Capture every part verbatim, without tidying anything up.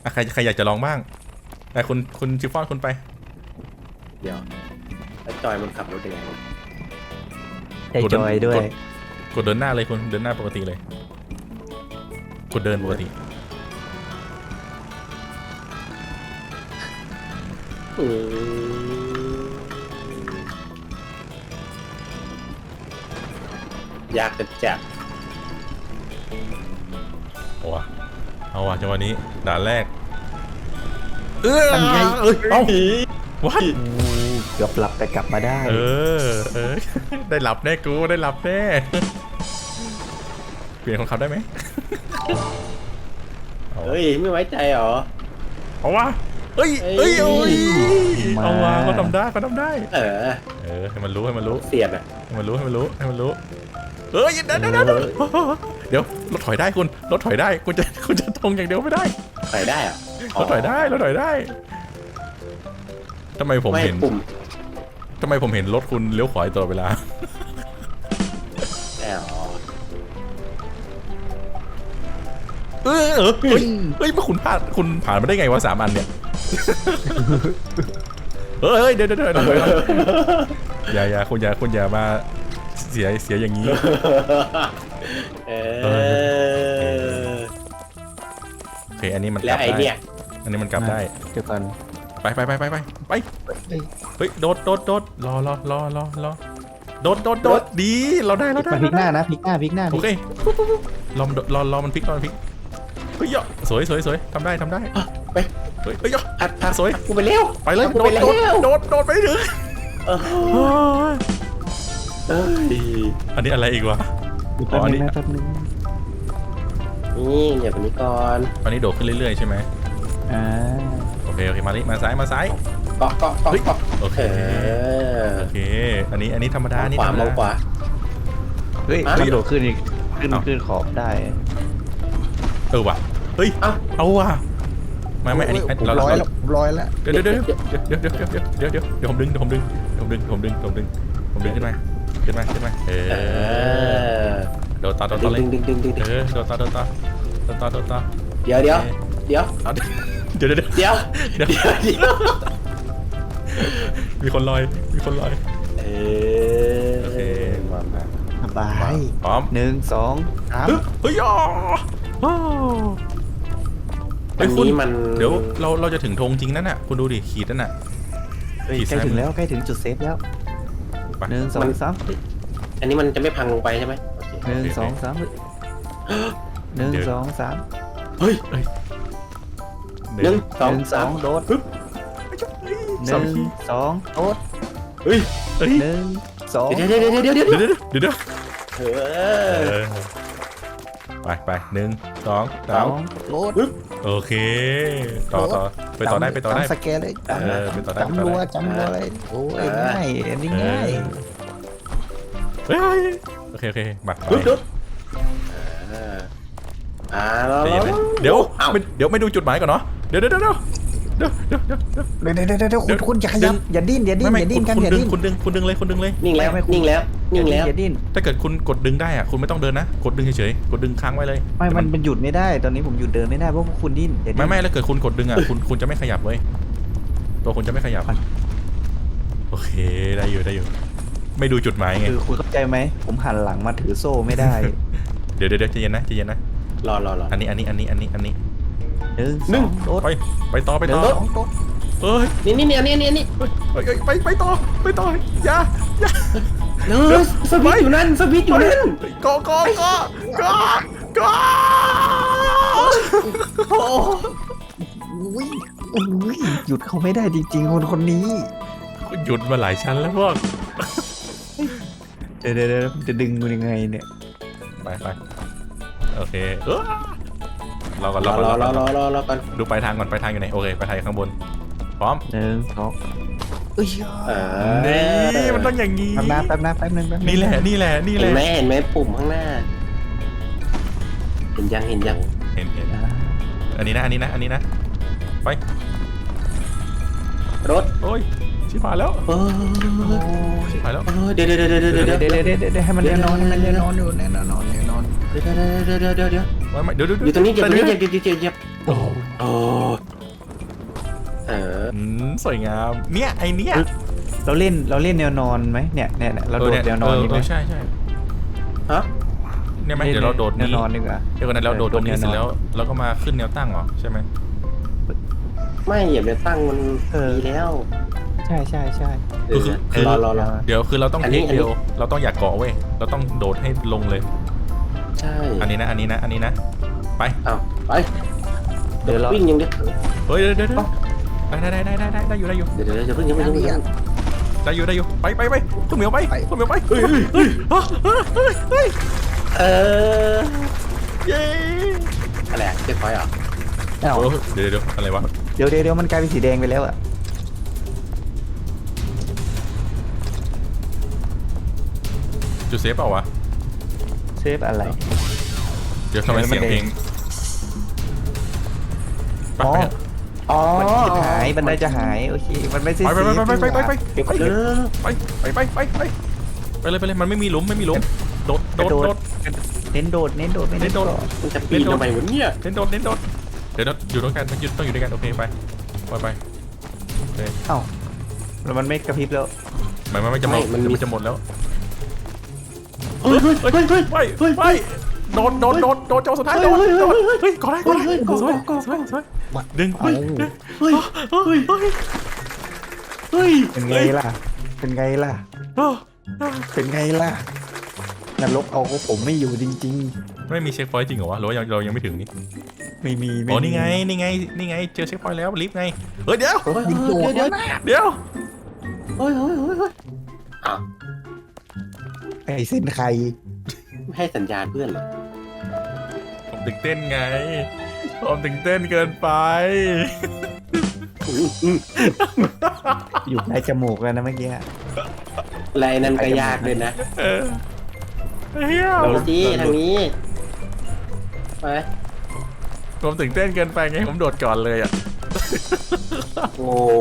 อ่ะใครใครอยากจะลองบ้างแต่คุณคุณชิฟฟ่อนคุณไปเดี๋ยวแล้วจอยมันขับรถยังไงใจจอยด้วยกดเดินหน้าเลยคุณเดินหน้าปกติเลยกดเดินปกติยากจะจับเอาวะเอาวะจังหวะนี้ด่านแรกเออทำไงเอ้ยเอาวัดเกือบหลับแต่กลับมาได้เออเออได้หลับแน่กูได้หลับแน่เปลี่ยนคนขับได้ไหมเฮ้ยไม่ไว้ใจเหรอเอาวะเอ้ยเอ้ยโอ้ยเอาวะเขาทำได้เขาทำได้เออเออให้มันรู้ให้มันรู้เสียดอ่ะให้มันรู้ให้มันรู้ให้มันรู้เอ้ยเดี๋ยวเดี๋ยวเดี๋ยวเดี๋ยวรถถอยได้คุณรถถอยได้คุณจะคุณจะตรงอย่างเดียวไม่ได้ใส่ได้เหรอรถถอยได้รถถอยได้ทำไมผมเห็นปุ่มทำไมผมเห็นรถคุณเลี้ยวขวาตลอดเวลาแอลเออเออเฮ้ยเฮ้ยมาคุณพลาดคุณผ่านมาได้ไงวะสามอันเนี่ย เฮ้ยเดี๋ยวเดี๋ยวเดี๋ยวอย่าอย่าคุณอย่าคุณอย่ามาเสียเสียอย่างนี้เออโอเคอันนี้มันกแล้ลัวบไอได้เนี่ยอันนี้มันกลับได้เดี๋ยวก่อนไปไปไปไปไปไปเฮ้ยโดดโดดโดดรอรอรอรอรอโดดโดดโดดดีเราได้เราได้มาพลิกหน้านะพลิกหน้าพลิกหน้าโอเครอรอรอมันพลิกรอมันพลิกเฮ้ยสวยสวยสวยทำได้ทำได้ไปเฮ้ยเฮ้ยพัดพัดสวยกูไปเร็วไปเลยกูโดไปดเร็โดดวโดดโดดไปถึงเออเอ้ยอันนี้อะไรอีกวะแป๊บนึงนะแป๊บนึงนี่อย่าตรงนี้ก่อนอันนี้โดดขึ้นเรื่อยๆใช่ไหมอ่าโอเคโอเคมาลิมาซ้ายมาซ้ายเกาะเกาะเกาะเกาะโอเคเออโอเคอันนี้อันนี้ธรรมดานี่ขวาธรรมมองดาขวาเฮ้ยอ่ะกระโดดขึ้นอีกขึ้นเอ้าขึ้นขอบได้เออว่ะเฮ้ยเอ้าเอาว่ะไม่ไม่อันนี้อันเราร้อยเราแล้วร้อยแล้วเดี๋ยวเดี๋ยวเดี๋ยวเดี๋ยวเดี๋ยวเดี๋ยวเดี๋ยวเดี๋ยวเดี๋ยวผมดึงเดี๋ยวผมดึงเดี๋ยวผมดึงผมดึงผมดึงผมดึงขึ้นมาขึ้นมาขึ้นมาเอเอออโดดต่อโดดดึต่อง เลยดึงดึงดึงดึงเออโดดต่อโดดต่อโดดต่อโดดต่อเดี๋ยวเดี๋ยวเดี๋ยวเอาเดี๋ยวเดี๋ยวเดี๋ยวเดี๋ยวเดี๋ยวเดี๋ยวเดี๋ยวมีคนลอยมีคนลอยเอโอเคอมามาสบายพร้อมหนึ่งสองสามเฮ้ยอ๋ออัเฮ้ยนคุณนี้มันเดี๋ยวเราเราจะถึงธงจริงนั่นน่ะคุณดูดิขีดนั่นน่ะเฮ้ยขีดใกล้ซ้ายถึงแล้วใกล้ถึงจุดเซฟแล้วไปหนึ่งสองสามอันนี้มันจะไม่พังลงไปใช่ไหมโอเคหนึ่งสองสามหนึ่งสองสามเฮ้ยเอ้ยหนึ่งสหองนึ่งสสาอมงโดด หสองนึ่งสองโดดเฮ้ยเฮ้ยหนึ่งสองเดี๋ยวเดี๋ยวเดี๋ยวเดี๋ยวเดี๋ยวเดี๋ยวเดี๋ยวเดี๋ยวเอเอออไปไปหนึ่งสองสสามองโดดโอเคต่อต่อไปต่อได้ไปต่อได้จำสแกนเลยจเออไปต่อได้ำจำรัวจำรัวเลยโอ้ยง่ายอันนี้ง่ายเฮ้ยโอเคโอเคมาไปดุ๊ดดุ๊ดอ่าอ่าแล้วเดี๋ยวเอ้าไม่เดี๋ยวไม่ดูจุดหมายก่อนเนาะเดี๋ยวเดี๋ยวเดี๋ยวเดี๋ยวเดี๋ยวเดี๋ยวเดี๋ยวเดี๋ยวเดี๋ยวเดี๋ยวเดี๋ยวคุณคุณอย่าขยับอย่าดิ้นอย่าดิ้นไม่อย่าไม่ดิ้นคุณกันคุณอย่าดึงดิ้นคุณดึงคุณดึงเลยคุณดึงเลยนิ่งแล้วไม่ไม่นิ่งแล้วนิ่งแล้วอย่าดิ้นถ้าเกิดคุณกดดึงได้อะคุณไม่ต้องเดินนะกดดึงเฉยๆกดดึงค้างไว้เลยไม่มันมันหยุดไม่ได้ตอนนี้ผมหยุดเดินไม่ได้เพราะพวกคุณดิ้นอย่าดิ้นไม่ไม่แล้วเกิดคุณกดดึงอ่ะคุณคุณจะไม่ขยับเว้ยตัวคุณจะไม่ขยับโอเคได้อยู่ได้อยู่ไม่ดูจุดหมายไงคือคุณเข้าใจไหมผมหันหลังมาถือโซ่ไม่ได้เดี๋ยวเดี๋ยวใจเย็นนะใจเย็นนะรอรอรออันนี้อันนี้อันนี้อันนี้อันนี้หนึ่งหนึ่งสอโดดไปไปต่อไปหนึ่ต่งอสองโดดเฮ้ยนี่นี่นี่อันนี้อันนี้อันนี้เฮ้ยเฮ้ยไปไปต่อไปต่ออย่าอย่าเนอะสวิตช์อยู่นั่นสวิตช์อยู่นั่นกอ กอกอกอกอโอ้อุ้ยอุ้ยหยุดเขาไม่ได้จริงๆคนคนนี้หยุดมาหลายชั้นแล้วพวกเดี๋ยวเดี๋ยวเดี๋ยวจะดึงมันยังไงเนี่ยไปไปโอเคเออรอก่อนรรออก่อนรรออรก่ออนรอรอรอกันดูปลายทางก่อนปลายทางอยู่ไหนโอเคปลายทางอยู่ข้างบนพร้อมหนึ่งสองเอ้ยเอนี่มันต้องอย่างนี้แป๊บนะแป๊บนะแป๊บนึงแป๊บนึงนี่แหละนี่แหละนี่แหเห็ละนไหมเห็นไหมปุ่มข้างหน้า เห็นยังเห็นยังเห็นเห็นอ่าอันนี้นะอันนี้นะอันนี้นะไปรถโอ้ยชิบหายแล้วเออชิบหายแล้วเออเดี๋ยวเดี๋ยวเดี๋ยวเดี๋ยวเดี๋ยวเดี๋เดี๋ยยว วเดี๋ยวเดี๋ยวเดี๋ยวให้มันแน่นอนให้มันแน่นอนอยู่แน่นอนแน่นอนเดี๋ยวเดี๋ยวเดี๋ยวเดี๋ยวเดี๋ยวไม่ไม่เดี๋ยวเดี๋ยวอยู่ตรงนี้เหยียบตรงนี้เหยียบเหยียบเหยียบเหยียบโอ้โหโอ้เอออืมสวยงามเนี่ยไอเนี้ยเราเล่นเราเล่นแนวนอนไหมเนี่ยเนี่ยเนี่ยเราโดดแนวนอนดีไหมเใช่ใช่ฮะเนี่ยไหมเดี๋ยวเราโดดแนนี้วนอนดีกว่าเดี๋ยวกันนั้นเราโดดตรงนี้โดดแนวนอนเสร็จแล้วเราก็มาขึ้นแนวตั้งเหรอใช่ไหมไม่เหยียบเนตั้งมันเออดีแล้วใช่ใช่ใช่เออคือรอรอรอเดี๋ยวคือเราต้องอันเทนี้คอันนี้เดียวเราต้องอยากเกาะเว้ยเราต้องโดดให้ลงเลยใช่อันนี้นะอันนี้นะอันนี้นะไปเอาไปเดี๋ยวเราวิ่งยังดิเฮ้ยเดี๋ยวเดี๋ยวเดี๋ยวได้ได้ได้ได้ได้ได้อยู่ได้อยู่เดี๋ยวเดี๋ยวจะเพิ่งยังไม่ยังไม่ยังได้อยู่ได้อยู่ไปไปไปคุณเหมียวไปไปคุณเหมียวไปเฮ้ยเฮ้ยเฮ้ยเฮ้ยเฮ้ยเออเย้อะไรเจ็บไฟอ่ะเอ้าเออเดี๋ยวเดี๋ยวอะไรวะเดี๋ยวเดี๋ยวเดี๋ยวมันกลายเป็นสีแดงไปแล้วอะจุดเซฟเปล่าวะเซฟอะไรเดี๋ยวทำไมเสียงเพลงไปอ๋อไปอ๋อมันจะหายบันไดจะหายโอเคมันไม่ใช่ไปไปไปไปไปไปไปเดี๋ยวไปก็เออไปไปไปไปไปไปเลยไปเลยมันไม่มีหลุมไม่มีหลุมโดดกโดระดโดโดดดเน้นโดดเน้นโดดไม่เน้เน้นนโดโดดดมันจะปีนทำไมวะเนี่ยเน้นโดดเน้นโดดเดี๋ยวอยู่ด้วยกันอยู่ต้องอยู่ด้วยกันโอเคไปไปไปโอเคเอ้าแล้วมันไม่กระพริบแล้วหมายมันไม่จะหมดมันจะหมดแล้วเฮ้ยเฮ้ยเฮ้ยเฮ้ยไปไปโดดโดดโดดโดดเจ้าสุดท้ายโดดโดดเฮ้ยก่อนได้ก่อนได้สวยสวยสวยดึงเฮ้ยเฮ้ยเฮ้ยเฮ้ยเฮ้ยเป็นไงล่ะ เป็นไงล่ะ เป็นไงล่ะนรกเอาก็ผมไม่อยู่จริงไม่มีเช็คพอยต์จริงเหรอวะหรือว่าเรายังไม่ถึงนี่ๆ ไม่มีไม่อ๋อมีนี่ไงนี่ไงนี่ไงเจอเช็คพอยต์แล้วลิฟต์ไงเฮ้ยเดี๋ยวเฮ้ยเดี๋ยวเดี๋ยวเดี๋ยวเฮ้ยเฮ้ยเฮ้ยเฮ้ยอ่ะไอ้เส้นใครไม่ให้สัญญาณเพื่อนเหรอผมตื่นเต้นไงผมตื่นเต้นเกินไปอืมอืมอยู่ในจมูกแล้วนะเมื่อกี้ไรนั่นก็ยากเลยนะเออเฮียทางนี้ทางนี้ไปผมตื่นเต้นเกินไปไงผมโดดก่อนเลยอ่ะโอ้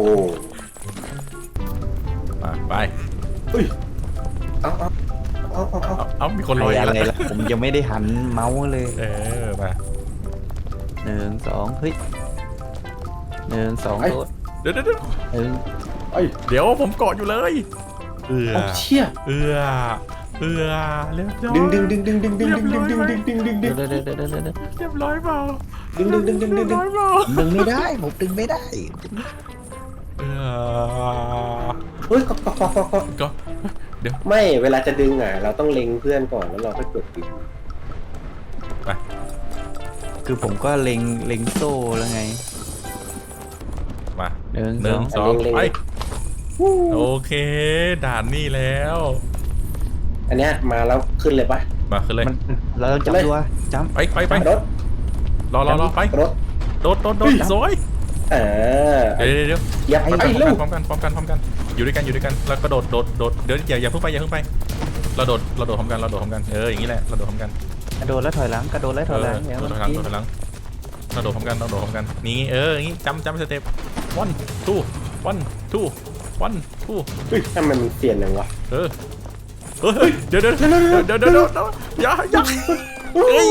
มาไปเฮ้ยเอาเอาเอาเอาเอาเอาเอามีคนลอะอยไรแล้วล่ะผมยังไม่ได้หันเมาส์เลยเออมาหนึ่งสองเฮ้ยหนึ่งสองโดดเดี๋ยวเดี๋ยวเดี๋ยวหนึ่งเอ้ยเดี๋ยวผมเกาะอยู่เลยเอือเอาเชี่ยเอือเอือเรียบร้อยดึงดึงดึงดึงดึงดึงดึงดึงดึงดึงดึงดึงดึงเดี๋ยวเดี๋ยวเดี๋ยวเดี๋ยวเดี๋ยวเรียบร้อยเปล่าดึงดึงดึงดึงดึงดึงเรียบร้อยเปล่าผมดึงไม่ได้ผมดึงไม่ได้เอือเฮ้ยก็ก็ก็ก็ก็ก็เดี๋ยวไม่เวลาจะดึงอ่ะเราต้องเล็งเพื่อนก่อนแล้วเราค่อยกดปิดไปคือผมก็เล็งเล็งโซ่แล้วไงมาหนึ่งหนึ่งสสององไปโอเคด่านนี่แล้วอันเนี้ยมาแล้วขึ้นเลยปะมาขึ้นเลยมันเราต้องจับตัวจับไปไปไปรถรอรอรอไปรถโดดโดดโดดสวยเออเดี๋ยวเดี๋ยวเดี๋ยวเหยียบพร้อมไปกันลูกพร้อมกันพร้อมกันพร้อมกันอยู่ด้วยกันอยู่ด้วยกันแล้วก็โดดโดดโดดเดี๋ยวอย่าอย่าเพิ่งไปอย่าเพิ่งไปเราโดดเราโดดพร้อมกันเราโดดพร้อมกันเอออย่างนี้แหละเราโดดพร้อมกันกระโดดแล้วถอยหลังกระโดดแล้วถอยหลังเอเนี่ยอโดมัดนถอยหลังกิโดนดถอยหลังเราโดดพร้อมกันเราโดดพร้อมกันนี่เอออย่างนี้จำจำสเต็ป one two one two one two เฮ้ยทำไมมันเปลี่ยนอย่างวะเออเฮ้ยเดี๋ยวเดี๋ยวเดี๋ยวเดี๋ยวเดี๋ยวเดี๋ยวอย่าอย่าเอ้ย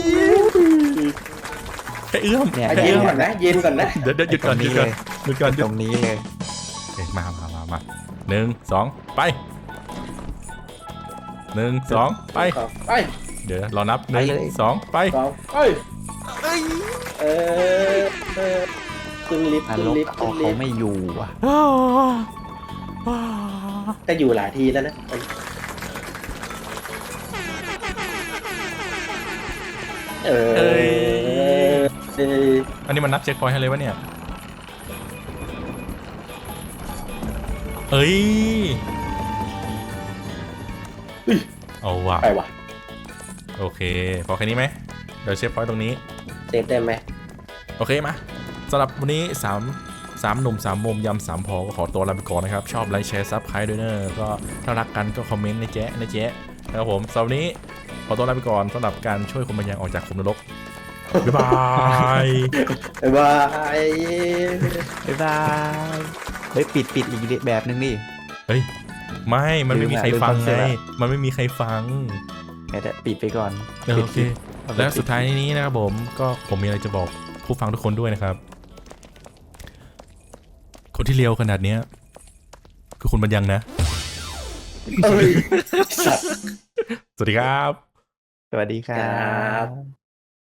แค่เอื้อมเนี่ยอ่ะแค่เย็นเอื้อมก่อนนะเย็นก่อนนะเดี๋ยวเดี๋ยวหยุดก่อนหยุดก่อนหยุดก่อนหยุตดรงนี้เลยเอ้ยมามามามาหนึ่งสองไปหนึ่งสองไปไปเดี๋ยวเรานับหนึ่งสองไปสองไปเออเออขึ้นลิฟต์นขึ้นรกลิฟต์เอาขึ้นลิเขาฟต์ไม่อยู่อ่ะก็อยู่หลายทีแล้วนะเออเอออันนี้มันนับเช็คพอยต์ให้เลยวะเนี่ยเอ้ยเอาว่ะไปว่ะโอเคพอแค่นี้ไหมเดี๋ยวเช็คพอยต์ตรงนี้เซฟได้ไหมโอเคมาสำหรับวันนี้สามสามหนุ่มสามมุมยำสามพอก็ขอตัวลาไปก่อนนะครับชอบไลค์แชร์ซับใครด้วยเนอะก็ถ้ารักกันก็คอมเมนต์นะแจ๊ะนะแจ๊ะนะครับผมสำหรับวันนี้ขอตัวลาไปก่อนสำหรับการช่วยคนบางอย่างออกจากขุมนรกบ๊ายบายบ๊ายบายบ๊ายบายเฮ้ยปิดปิดอีกแบบนึงดิเฮ้ยไม่มันไม่มีใครฟังไงมันไม่มีใครฟังเดี๋ยวปิดไปก่อนโอเค แล้วสุดท้ายนี้นะครับผมก็ผมมีอะไรจะบอกผู้ฟังทุกคนด้วยนะครับ คนที่เลียวขนาดเนี้ยคือคุณบัญญังนะเอ้ยสัตว์สวัสดีครับสวัสดีครัครับบ